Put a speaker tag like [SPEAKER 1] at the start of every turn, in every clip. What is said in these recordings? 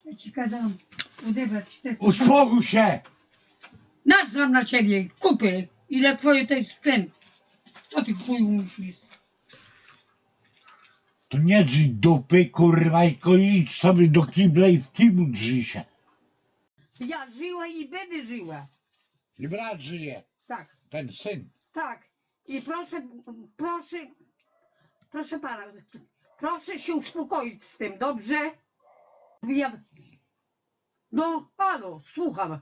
[SPEAKER 1] Ja ci gadam, odebrać te...
[SPEAKER 2] Uspokój się!
[SPEAKER 1] Nazwam na ciebie, kupy. Ile twoje to jest sprzęt? Co ty chuju myślisz?
[SPEAKER 2] To nie drzyj dupy, kurwa, tylko idź sobie do kibla i w kiblu drzyj się.
[SPEAKER 1] Ja żyła i będę żyła.
[SPEAKER 2] I brat żyje,
[SPEAKER 1] Tak,
[SPEAKER 2] ten syn.
[SPEAKER 1] tak. I proszę pana, proszę się uspokoić z tym, dobrze? Ja... No, halo, słucham.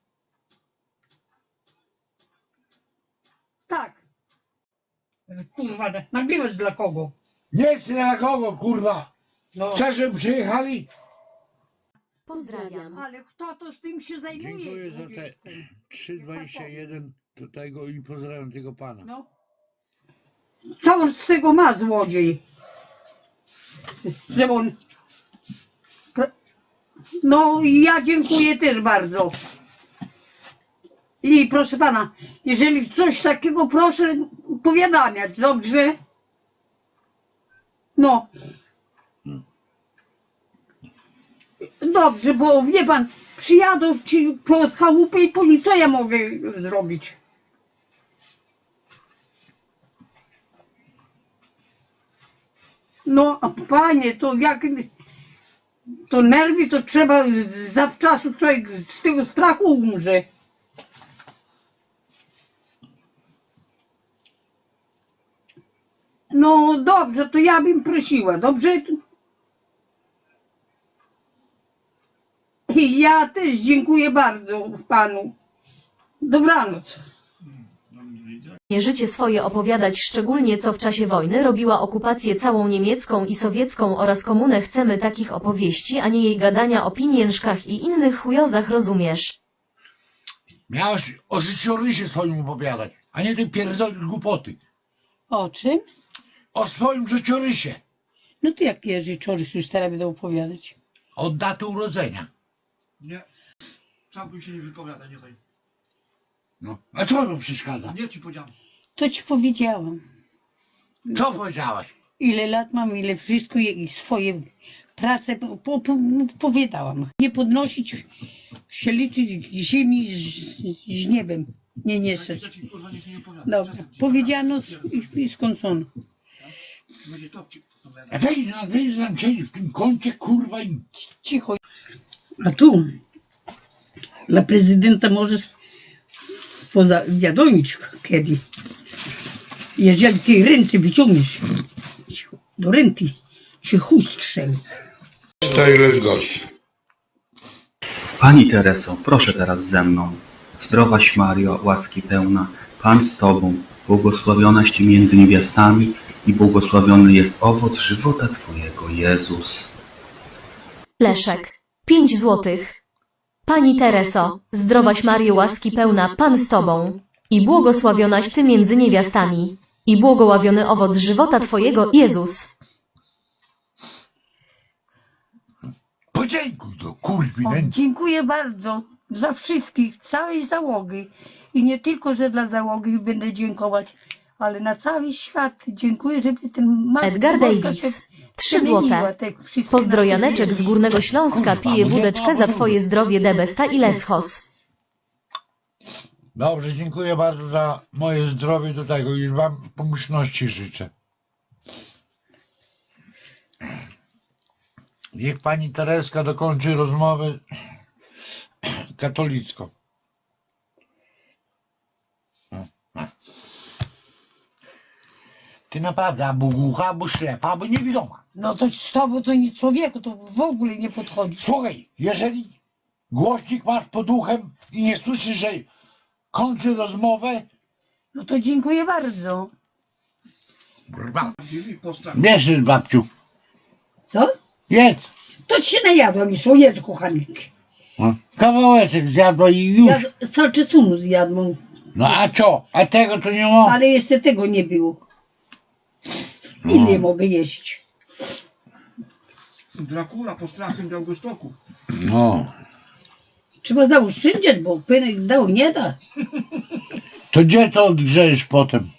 [SPEAKER 1] Tak. Kurwa, nagrywasz dla kogo?
[SPEAKER 2] Nie chcę na kogo, kurwa.
[SPEAKER 1] No.
[SPEAKER 2] Chcesz, żeby przyjechali?
[SPEAKER 3] Pozdrawiam.
[SPEAKER 1] Ale kto to z tym się zajmuje?
[SPEAKER 2] Dziękuję za te
[SPEAKER 1] 20.
[SPEAKER 2] 3,21 do tego i pozdrawiam tego pana.
[SPEAKER 1] No. Co on z tego ma, złodziej? Że on... No, ja dziękuję też bardzo. I proszę pana, jeżeli coś takiego, proszę powiadamiać, dobrze? No. Dobrze, bo wie pan, przyjadą ci pod chałupę i po nic, co ja mogę zrobić? No, a panie, to jak... To nerwy, to trzeba zawczasu człowiek z tego strachu umrze. No dobrze, to ja bym prosiła, dobrze? I ja też dziękuję bardzo panu. Dobranoc.
[SPEAKER 3] Życie swoje opowiadać, szczególnie co w czasie wojny robiła okupację całą niemiecką i sowiecką oraz komunę. Chcemy takich opowieści, a nie jej gadania o pieniężkach i innych chujozach, rozumiesz?
[SPEAKER 2] Miałeś o życiorysie swoim opowiadać, a nie ty pierdolisz głupoty.
[SPEAKER 4] O czym?
[SPEAKER 2] O swoim życiorysie.
[SPEAKER 4] No to jakie życiorys już teraz będę opowiadać?
[SPEAKER 2] Od daty urodzenia.
[SPEAKER 5] Nie, sam bym się nie wypowiada, niechaj.
[SPEAKER 2] No. A co to przeszkadza?
[SPEAKER 5] Nie ci powiedziałem.
[SPEAKER 4] To ci powiedziałam.
[SPEAKER 2] Co powiedziałaś?
[SPEAKER 4] Ile lat mam, ile wszystko i swoje prace powiedziałam. Nie podnosić się liczyć ziemi z niebem. Nie niszczyć.
[SPEAKER 5] Ja ci kurwa niech nie opowiada.
[SPEAKER 4] Dobra, powiedziano i skończono.
[SPEAKER 5] Będzie to ci opowiada.
[SPEAKER 2] A weź tam siedzi w tym kącie, kurwa, i...
[SPEAKER 4] Cicho. A tu dla prezydenta możesz pozawiadomić kiedy. Jeżeli ty ręce wyciągniesz do renty, się chuj strzeli.
[SPEAKER 2] To ileś gości.
[SPEAKER 6] Pani Tereso, proszę teraz ze mną. Zdrowaś Mario, łaski pełna, Pan z Tobą, błogosławionaś Ty między niewiastami i błogosławiony jest owoc żywota Twojego, Jezus.
[SPEAKER 3] Leszek. 5 złotych. Pani Tereso, zdrowaś Maryjo, łaski pełna, Pan z Tobą. I błogosławionaś Ty między niewiastami. I błogosławiony owoc żywota Twojego, Jezus.
[SPEAKER 2] Podziękuj do kurwi
[SPEAKER 1] O,
[SPEAKER 2] nędzy.
[SPEAKER 1] dziękuję bardzo za wszystkich, całej załogi. I nie tylko, że dla załogi będę dziękować, ale na cały świat dziękuję, żeby ten Matka
[SPEAKER 3] Edgar
[SPEAKER 1] Boska się
[SPEAKER 3] Davis. 3
[SPEAKER 1] przemieniła,
[SPEAKER 3] złote.
[SPEAKER 1] te wszystkie
[SPEAKER 3] Pozdro
[SPEAKER 1] nasze
[SPEAKER 3] Janeczek
[SPEAKER 1] wieści.
[SPEAKER 3] z Górnego Śląska pije wódeczkę za Twoje zdrowie, Debesta i Leschos.
[SPEAKER 2] Dobrze, dziękuję bardzo za moje zdrowie do tego i wam pomyślności życzę. Niech pani Tereska dokończy rozmowę katolicką. Ty naprawdę albo głucha, albo ślepa, albo niewidoma.
[SPEAKER 1] No to z tobą to nie człowieku, to w ogóle nie podchodzi.
[SPEAKER 2] Słuchaj, jeżeli głośnik masz pod uchem i nie słyszysz, że kończy rozmowę,
[SPEAKER 1] No to dziękuję bardzo.
[SPEAKER 5] I postaw.
[SPEAKER 2] wiesz, babciu,
[SPEAKER 1] Co?
[SPEAKER 2] jedz.
[SPEAKER 1] To się najadłam już, o Jezu kochany.
[SPEAKER 2] Kawałeczek zjadła i już.
[SPEAKER 1] Ja salczesunu zjadłam,
[SPEAKER 2] No a co? A tego to nie ma?
[SPEAKER 1] ale jeszcze tego nie było. Ile mogę jeść?
[SPEAKER 5] Dracula pod strachem Białegostoku.
[SPEAKER 2] No.
[SPEAKER 1] Trzeba zaoszczędzić, bo pynek dał nie da.
[SPEAKER 2] To gdzie to odgrzejesz potem?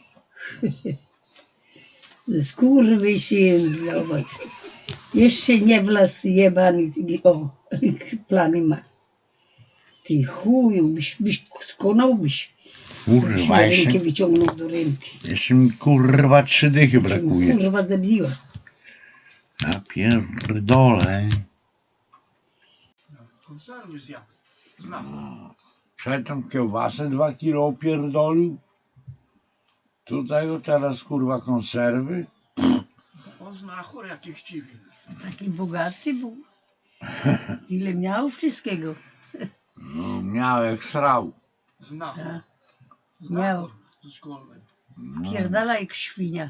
[SPEAKER 1] Skurwysyn, zobacz. Jeszcze nie wlazł jebany. O.
[SPEAKER 4] Plany ma. Ty chuju, byś skonałbyś.
[SPEAKER 2] Kurwa,
[SPEAKER 4] Rękę
[SPEAKER 2] jeszcze,
[SPEAKER 4] wyciągnął do ręki.
[SPEAKER 2] jeszcze mi kurwa 3 dychy brakuje.
[SPEAKER 4] Kurwa zabiła.
[SPEAKER 2] Ja pierdolę.
[SPEAKER 5] Konserwy zjadł. Znam.
[SPEAKER 2] Przedtem kiełbasę 2 kilo opierdolił. Tutaj o teraz kurwa konserwy.
[SPEAKER 5] On zna chory jak cię chciwi.
[SPEAKER 4] Taki bogaty był. Ile miał wszystkiego.
[SPEAKER 2] No, miał jak srał.
[SPEAKER 5] Zna.
[SPEAKER 4] Miał.
[SPEAKER 5] Chór ze szkolnej.
[SPEAKER 4] Pierdala jak świnia.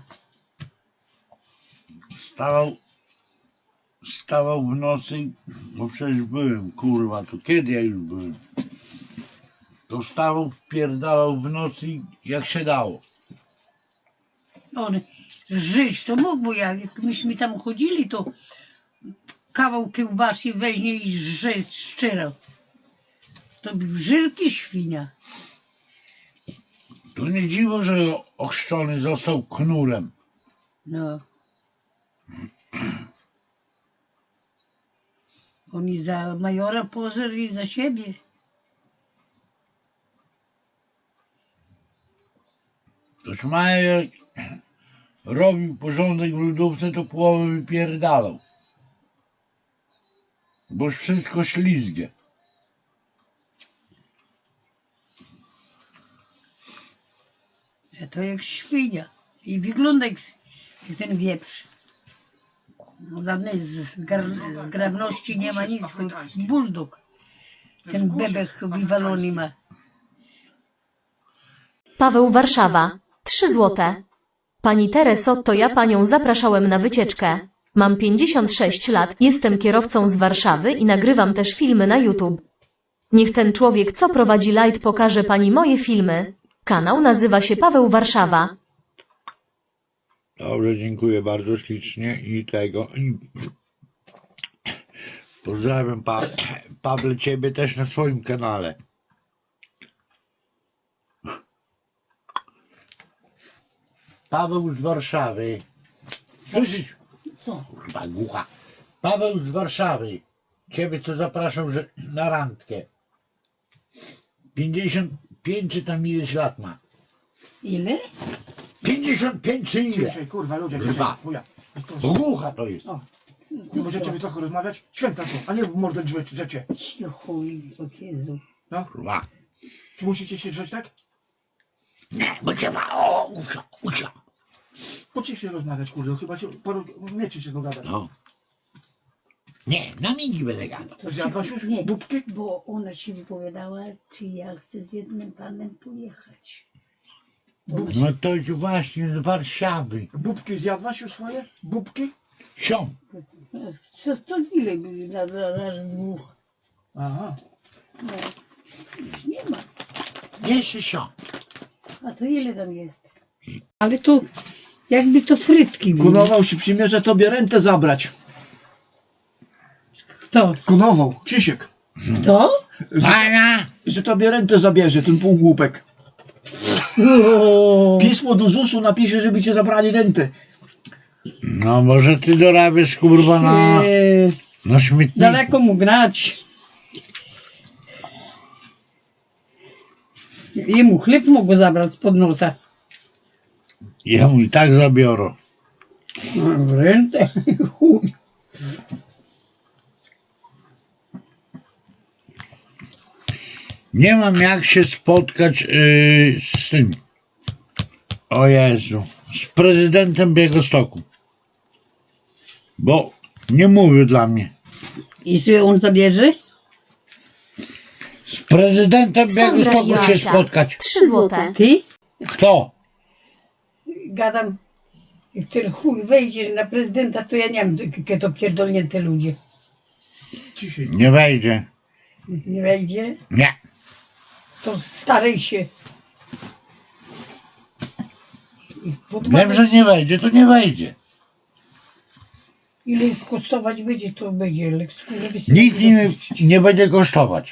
[SPEAKER 2] Stawał w nocy, bo przecież byłem, kurwa, to kiedy ja już byłem? To wstawał, wpierdalał w nocy jak się dało.
[SPEAKER 4] On żyć to mógł, bo jak myśmy tam chodzili, to kawał kiełbasy weźmie i szczerał. To był żyrki świnia.
[SPEAKER 2] To nie dziwo, że ochrzczony został knurem.
[SPEAKER 4] No. On i za majora pożer i za siebie.
[SPEAKER 2] Toż Major robił porządek w lodówce, to połowę wypierdalał. Boż wszystko ślizgie.
[SPEAKER 4] A to jak świnia. I wygląda jak ten wieprz. No, żadnej zgrabności nie ma nic. Buldog. Ten bebek wywalony ma.
[SPEAKER 3] Paweł Warszawa. 3 złote. Pani Tereso, to ja panią zapraszałem na wycieczkę. Mam 56 lat, jestem kierowcą z Warszawy i nagrywam też filmy na YouTube. Niech ten człowiek, co prowadzi light, pokaże pani moje filmy. Kanał nazywa się Paweł Warszawa.
[SPEAKER 2] Dobrze, dziękuję bardzo ślicznie i tego. Pozdrawiam Pawle, ciebie też na swoim kanale. Paweł z Warszawy. Słyszysz?
[SPEAKER 4] Co?
[SPEAKER 2] Kurwa głucha. Paweł z Warszawy. Ciebie co zapraszam na randkę. 55 czy tam ileś lat ma?
[SPEAKER 4] Ile?
[SPEAKER 2] 55 czy ile?
[SPEAKER 5] Dzisiaj, kurwa, ludzie,
[SPEAKER 2] Kurwa.
[SPEAKER 5] dzisiaj. Chuja. To,
[SPEAKER 2] Głucha to jest.
[SPEAKER 5] nie możecie wy trochę rozmawiać? Święta są, a nie w mordę drzecie.
[SPEAKER 4] Cicho, Jezu.
[SPEAKER 5] No,
[SPEAKER 2] Kurwa.
[SPEAKER 5] czy musicie się drzeć tak?
[SPEAKER 2] Nie, bo trzeba. Ucia.
[SPEAKER 5] Po ciszej rozmawiać, kurde, chyba się, umiecie się dogadać.
[SPEAKER 2] No. Nie, na migi będę gadał.
[SPEAKER 5] Zjadłaś już
[SPEAKER 4] Nie,
[SPEAKER 5] dupki?
[SPEAKER 4] bo ona się wypowiadała, czy ja chcę z jednym panem pojechać.
[SPEAKER 2] No to jest właśnie z Warszawy.
[SPEAKER 5] Bubki zjadłaś już swoje? Bubki?
[SPEAKER 2] Sią.
[SPEAKER 4] Co ile były raz dwóch?
[SPEAKER 5] Aha.
[SPEAKER 4] No, już nie ma.
[SPEAKER 2] Jeszcze sią.
[SPEAKER 4] A to ile tam jest? Ale to jakby to frytki były.
[SPEAKER 5] Kunował się przymierza tobie rentę zabrać.
[SPEAKER 4] Kto?
[SPEAKER 5] Kunował, Krzysiek.
[SPEAKER 4] Kto?
[SPEAKER 2] Pana!
[SPEAKER 5] Że tobie rentę zabierze, ten półgłupek. Pismo do ZUS-u napisze, żeby cię zabrali rentę.
[SPEAKER 2] No może ty dorabiasz kurwa na śmietniku.
[SPEAKER 4] Daleko mu grać. Jemu chleb mogło zabrać spod nosa.
[SPEAKER 2] Jemu i tak zabiorą.
[SPEAKER 4] No, rentę. Chuj.
[SPEAKER 2] Nie mam jak się spotkać z tym. O Jezu. Z prezydentem Białegostoku. Bo nie mówił dla mnie.
[SPEAKER 4] I sobie on zabierze?
[SPEAKER 2] Z prezydentem
[SPEAKER 3] Sandra
[SPEAKER 2] Białegostoku się
[SPEAKER 3] Joasia.
[SPEAKER 2] spotkać.
[SPEAKER 3] 3 złote.
[SPEAKER 4] Ty?
[SPEAKER 2] Kto?
[SPEAKER 4] Gadam, jak ten chuj wejdziesz na prezydenta, to ja nie wiem, jakie to pierdolnięte ludzie.
[SPEAKER 5] Ciszej.
[SPEAKER 2] Nie wejdzie.
[SPEAKER 4] Nie wejdzie?
[SPEAKER 2] Nie.
[SPEAKER 4] To starej się.
[SPEAKER 2] Wiem, że nie wejdzie, to nie wejdzie.
[SPEAKER 4] Ile kosztować będzie, to będzie. Ale
[SPEAKER 2] Nic nie będzie kosztować.